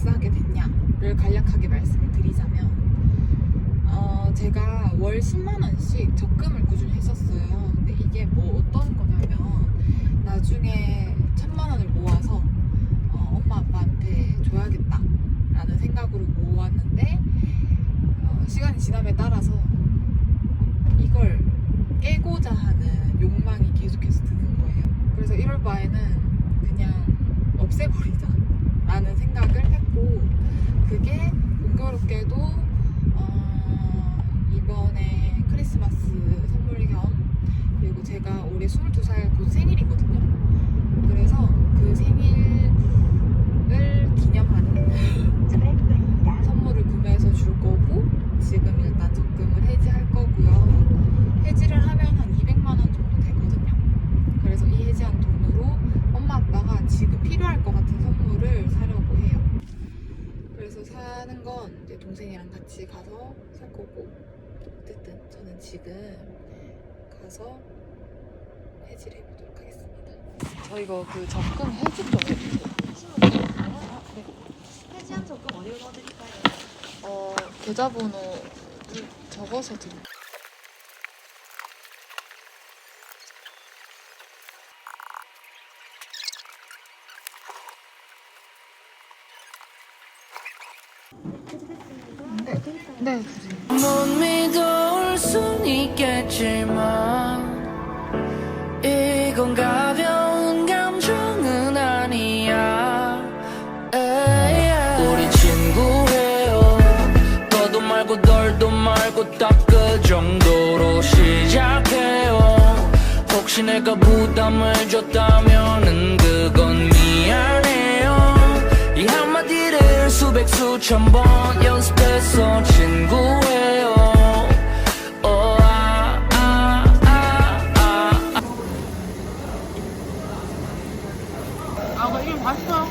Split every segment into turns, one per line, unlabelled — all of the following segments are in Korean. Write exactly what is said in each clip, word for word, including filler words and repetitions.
엑스하게 됐냐를 간략하게 말씀을 드리자면 어, 제가 월 십만 원씩 적금을 꾸준히 했었어요. 근데 이게 뭐 어떤 거냐면 나중에 천만 원을 모아서 어, 엄마 아빠한테 줘야겠다 라는 생각으로 모았는데 어, 시간이 지남에 따라서 이걸 깨고자 하는 욕망이 계속해서 드는 거예요. 그래서 이럴 바에는 그냥 없애버리자 라는 생각을 했고, 그게 공교롭게도 어, 이번에 크리스마스 선물 겸, 그리고 제가 올해 스물두 살 곧 생일이거든요. 그래서 그 생일을 기념하는 선물을 구매해서 줄 거고, 지금 일단 적금을 해지할 거고요. 해지를 하면 한 이백만 원 정도 되거든요. 그래서 이 해지한 돈으로 엄마 아빠가 지금 필요할 것 같은 선물을 사려고 해요. 그래서 사는 건 이제 동생이랑 같이 가서 살 거고, 어쨌든 저는 지금 가서 해지를 해보도록 하겠습니다. 저 이거 그 적금 해지 좀 해주세요. 아, 네.
해지한 적금 어디로 넣어드릴까요?
어, 계좌번호를 적어서 드릴게요. 네, 네, 주세요.
못 믿어올 순 있겠지만 이건 가벼운 감정은 아니야. 에이, 우리 친구예요. 더도 말고 덜도 말고 딱 그 정도로 시작해요. 혹시 내가 부담을 줬다면은 그건 미안해요. 이 한마디를 수백 수천 번 연습해서 친구예요. 어, 아, 아, 아, 아, 아.
아, 나 이거 봤어.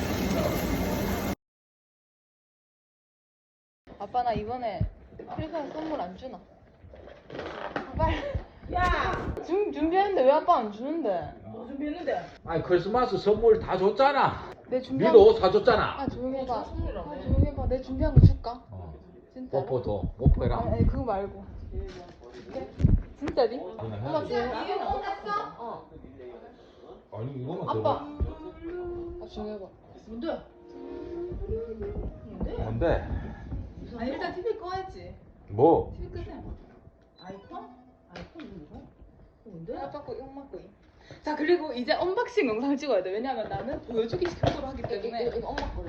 아빠 나 이번에 크리스마스 선물 안 주나? 아, 빨리.
야!
준, 준비했는데 왜 아빠 안 주는데?
뭐 준비했는데?
아니 크리스마스 선물 다 줬잖아.
내 준비한
니도 옷 사줬잖아.
아 조용히 해봐. 아
선물이라며.
조용히 해봐. 내 준비한 거 줄까?
어.
진짜?
뽀뽀도 뽀뽀해라.
아니, 아니 그거 말고. 그래? 진짜니? 엄마 줘. 어.
아니 이거만
아빠.
더.
아 조용히 해봐.
뭔데? 뭔데?
뭔데?
아니 일단 티비 꺼야지.
뭐?
티비 끄세요. 아이폰? 아이폰 이거? 뭔데?
아빠 거 이거 엄마 거임. 자 그리고 이제 언박싱 영상 찍어야 돼. 왜냐면 나는 보여주기 식으로 하기 때문에. 이거, 이거 엄마 거래.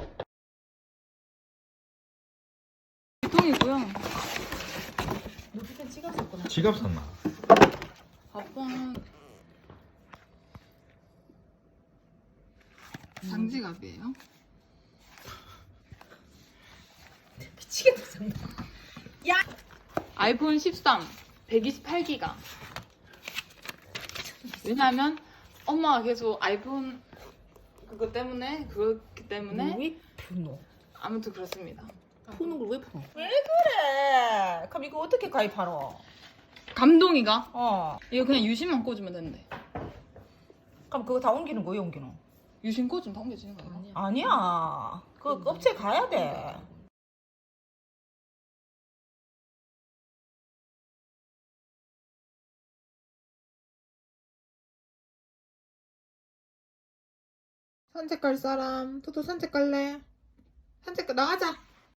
통이고요.
너 그때 찍었었구나.
지갑 샀나?
아빠 장지갑이에요.
미치겠다 정말.
아이폰 십삼 백이십팔 기가. 왜냐면 엄마가 계속 아이폰 그거 때문에 그렇기 때문에
왜 푸노?
아무튼 그렇습니다.
푸는 걸 왜 푸노? 왜 그래? 그럼 이거 어떻게 가입하노?
감동이가
어.
이거 그냥 유심만 꽂으면 된대.
그럼 그거 다 옮기는 거야 옮기는?
유심 꽂으면 다 옮겨지는 거 아니야?
아니야. 그 업체 가야 돼.
산책 갈 사람? 토토 산책 갈래? 산책 가- 나가자.